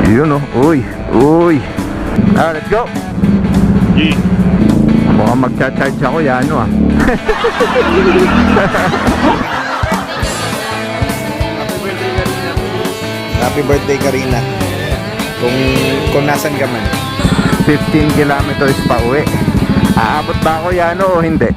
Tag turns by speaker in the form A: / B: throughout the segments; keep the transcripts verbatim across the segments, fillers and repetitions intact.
A: Yun oh, uy, uy. Ah, let's go.
B: G.
A: Mukhang magcha-charge ako yan, ano ah.
C: Happy birthday, Karina. Kung, kung nasan ka man.
A: fifteen kilometers pa uwi. Aabot ba ako yan o hindi?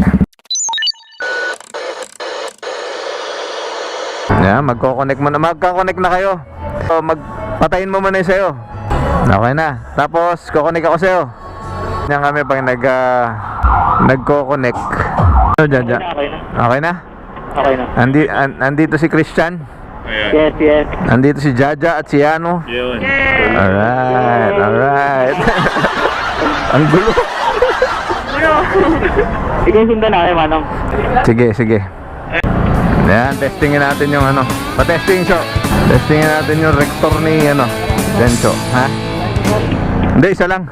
A: Yeah, magko-connect mo na. Magka-connect na kayo. So, magpatayin mo muna yung sayo. Okay na. Tapos, ko-connect ako sa'yo. Yan kami pag nag, uh, nagko-connect. So, dyan, dyan.
B: Okay na.
A: Okay na?
B: Okay na.
A: Andi, an, andito si Christian.
B: Ayan. Yes, yes.
A: Andito si Jaja at si Yano.
B: Yun.
A: Alright, alright. Ang gulo.
B: Ikaw sundan na kayo, Manong.
A: Sige, sige. Yan, testingin natin yung ano. Pa-testing show. Testingin natin yung rector ni ano, Dencho, ha? Hindi, isa lang.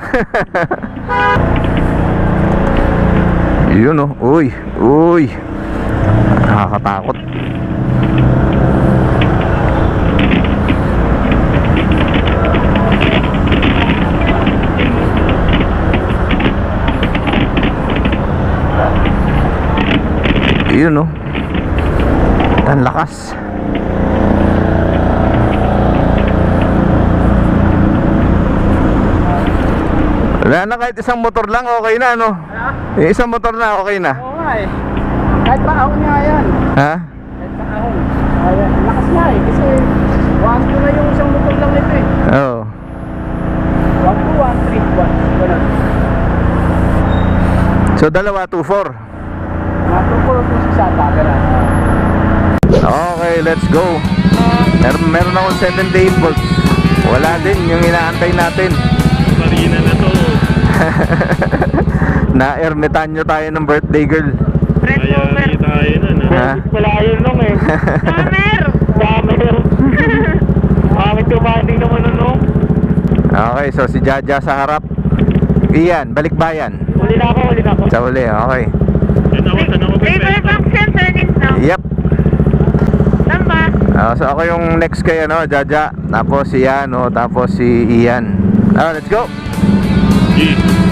A: Yun oh, uy, uy. Nakakatakot. Yun oh. Ang lakas. Wala na, kahit isang motor lang okay na, no? Eh, isang motor na okay na.
D: Oo nga eh. Kahit pa ahon nga yan.
A: Ha?
D: Kahit pa ahon. Ayan. Ang lakas nga eh. Kasi one two na yung isang motor lang nito eh.
A: Oo.
D: one two, one three, one. Ganun.
A: So dalawa, two four.
D: Mga two four, two six ata. Ganun.
A: Okay, let's go. Meron, meron akong seventy-eight volts. Wala din yung inaantay natin.
B: Marina na to.
A: Na-ermitan nyo tayo ng birthday girl.
B: Kaya tayo nun,
A: Ha?
B: Wala yun nung eh.
D: Summer!
B: Summer! Pangit yung banding naman nun nung.
A: Okay, so si Jaja sa harap. Iyan, balikbayan.
B: Huli na ako, huli na ako.
A: Sa uli, okay.
B: Yan ako, saan ako
D: River Bank Center din no?
A: Yep.
D: Tama?
A: Ah, so ako yung next kay ano, Jaja. Tapos si Yano, tapos si Ian. Ah, let's go.
B: G.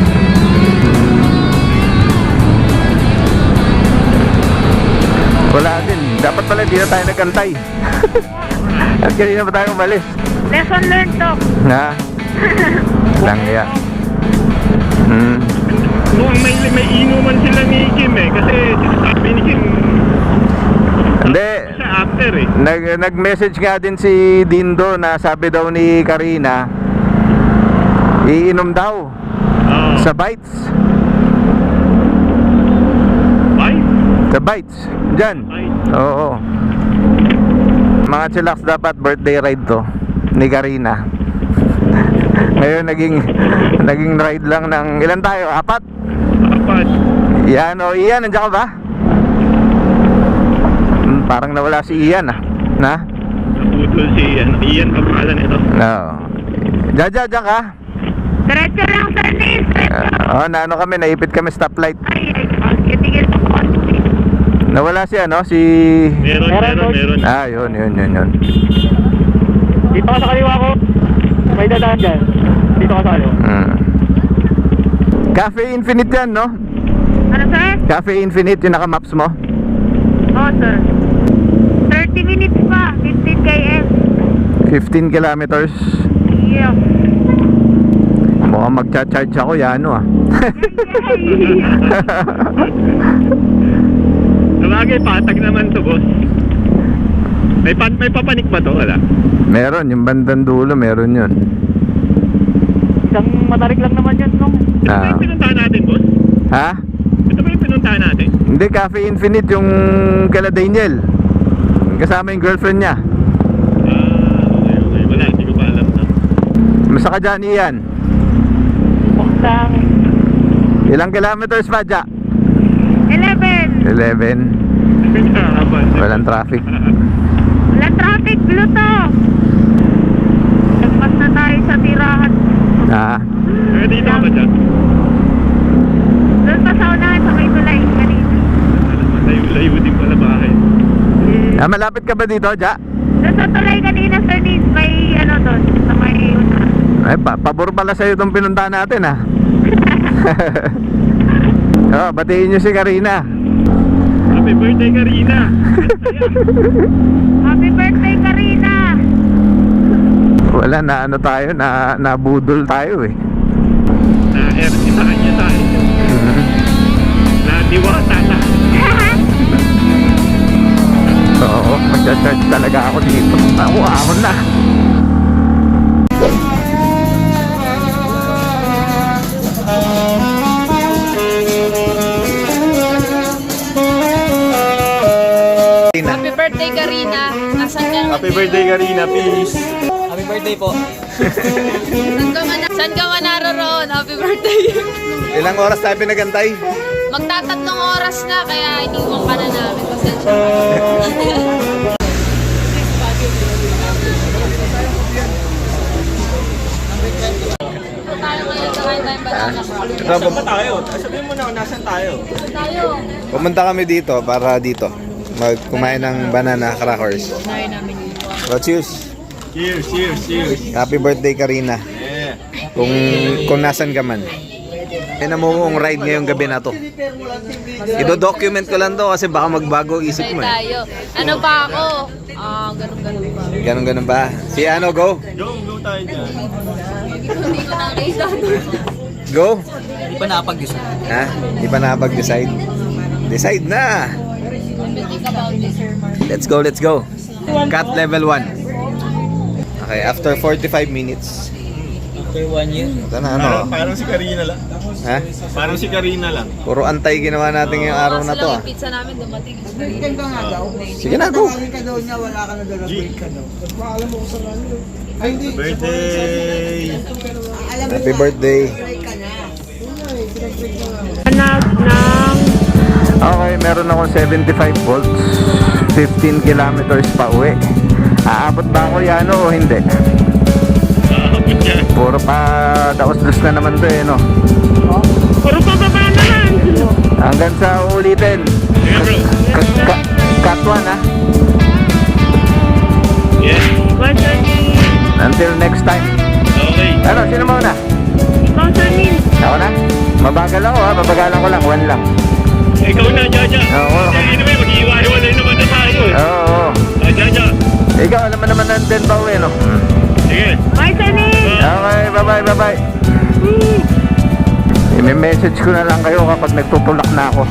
A: Wala din. Dapat pala hindi na tayo nagantay. At kanina pa tayo umalis.
D: Lesson learned to.
A: Ha? Lang yan. Hmm.
B: Noong may, may inuman sila ni Kim eh. Kasi sinasabi ni Kim,
A: Hindi.
B: siya after eh.
A: Nag, nag-message nga din si Dindo na sabi daw ni Karina, iinom daw
B: Oo.
A: sa Bites.
B: Ay?
A: Sa Bites. Diyan.
B: Ay.
A: Oo. Mga chillax, dapat birthday ride to ni Karina. Ngayon naging naging ride lang ng ilan tayo? Apat?
B: Apat.
A: Ian o Ian, nandiyan ka ba? Hmm, parang nawala si Ian ah. Na?
B: Naputol si Ian. Ian pa pangalan ito.
A: No. Jaja, diyan ka?
D: Diretso lang sir Nis.
A: Uh, oh, na ano kami, naipit kami stoplight.
D: Ay, ay, ay. Tigil po po.
A: Nawala si ano, si...
B: Meron, meron, meron.
A: Ah, yun, yun, yun, yun.
B: Dito ka sa kaliwa ko. May dadaan dyan. Dito ka sa kaliwa.
A: Hmm. Cafe Infinite yan, no?
D: Ano sir?
A: Cafe Infinite, yung naka-maps mo.
D: Oo sir. thirty minutes pa. fifteen kilometers.
A: fifteen kilometers.
D: Yeah.
A: Mukhang magcha-charge ako, yan, ano ah.
B: Sabagay, patag naman to, boss. May, pa may papanik ba to? Wala.
A: Meron, yung bandang dulo, meron yun.
B: Isang matarik lang naman yan, no? Ito ba
A: Ah.
B: yung pinuntahan natin, boss?
A: Ha?
B: Ito ba yung pinuntahan natin?
A: Hindi, Cafe Infinite yung kala Daniel. Kasama yung girlfriend niya.
B: Ah, okay, okay. Wala, hindi ko pa alam na.
A: Masa ka dyan, Ian?
B: Buktang.
A: Ilang kilometers pa, Ja?
D: eleven.
A: eleven. Walang traffic.
D: Walang traffic. Blue to. Nagpas na tayo sa tirahan.
A: Ah.
B: Eh, dito ka ba dyan?
D: Doon pa sa unahan sa may tulay. Kanina.
B: Layo-layo din pala bahay.
A: Ah, malapit ka ba dito, Ja?
D: Doon sa tulay kanina sir Nis. May ano doon. Sa may unahan.
A: Ay, pa pabor pala sa'yo itong pinuntahan natin ah. Oh, batiin nyo si Karina.
B: Happy birthday, Karina!
E: Happy birthday, Karina!
A: Wala na ano tayo, na nabudol tayo eh.
B: Na-ertisahan niya tayo. Na-diwata na.
A: Oo, magcha-charge talaga ako dito. Ako, ako na.
E: Happy birthday, Karina! Nasaan ka?
B: Happy birthday, Karina, peace!
E: Saan ka man, saan ka man naroon? Happy birthday!
C: Ilang oras tayo pinagantay?
E: Magtatatlong oras na, kaya iniwan ka na namin. Pasensya. Tayo ngayon sa Kain Bayan Banana.
C: Ito, pum-
B: tayo? Sabihin mo na kung nasan tayo.
E: Tayo.
C: pumunta kami dito para dito. Magkumain ng banana crackers.
E: Tayo namin dito.
C: So, cheers!
B: Cheers, cheers, cheers!
C: Happy birthday, Karina.
B: Yeah!
C: Kung, kung nasan ka man. Ay, namumong ride ngayong gabi na to. Ido-document ko lang to kasi baka magbago isip
E: Tayo
C: mo eh.
E: tayo. Ano pa ako? Ah, ganun-ganun pa.
C: Ganun-ganun ba? Si ano, go?
B: Go, go tayo dyan.
E: Hindi ko nakita.
C: Go?
D: Hindi pa nakapag-decide.
C: Ha? Di pa nakapag-decide? Decide na!
E: Think about this.
C: Let's go, let's go. Cut level one. Okay, after forty-five minutes.
D: After one year.
C: Ito na, ano?
B: Parang, parang si Karina lang.
C: Ha?
B: Parang si Karina lang.
C: Puro antay ginawa natin ngayong araw na to, ah.
E: Yung pizza namin dumating.
C: Sige na, go.
B: Birthday!
C: Happy birthday.
A: Okay, meron akong seventy-five volts, fifteen kilometers pa uwi. Aabot ba ako yan o hindi?
B: Aabot yan.
A: Puro pa daos-dos na naman to eh, no?
B: Puro pababa naman!
A: Hanggang sa ulitin.
B: Yeah, bro.
A: Cut, cut, cut one ah.
B: Yeah.
A: Until next time.
B: Okay.
A: Ano, sino mauna? Ako na? Mabagal ako ha, babagalan ko lang, one lang.
B: Ikaw na, Jaja.
A: Oo.
B: Kaya naman, mag-iiwa-iwalay naman na tayo eh.
A: Oo, oo.
B: Ah, Jaja.
A: Ikaw, alam mo naman nandun pa uwi, no?
B: Sige.
A: Okay, bye-bye, bye-bye. I-message ko na lang kayo kapag nagtutulak na ako.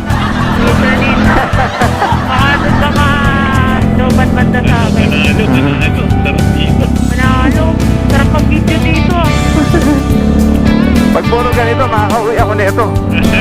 F: Baka doon ka ma-lobat-banda sa amin.
B: Manalo, manalo. Sarap dito.
F: Manalo. Sarap mag-video dito.
A: Pag puro ganito, makakauwi ako nito.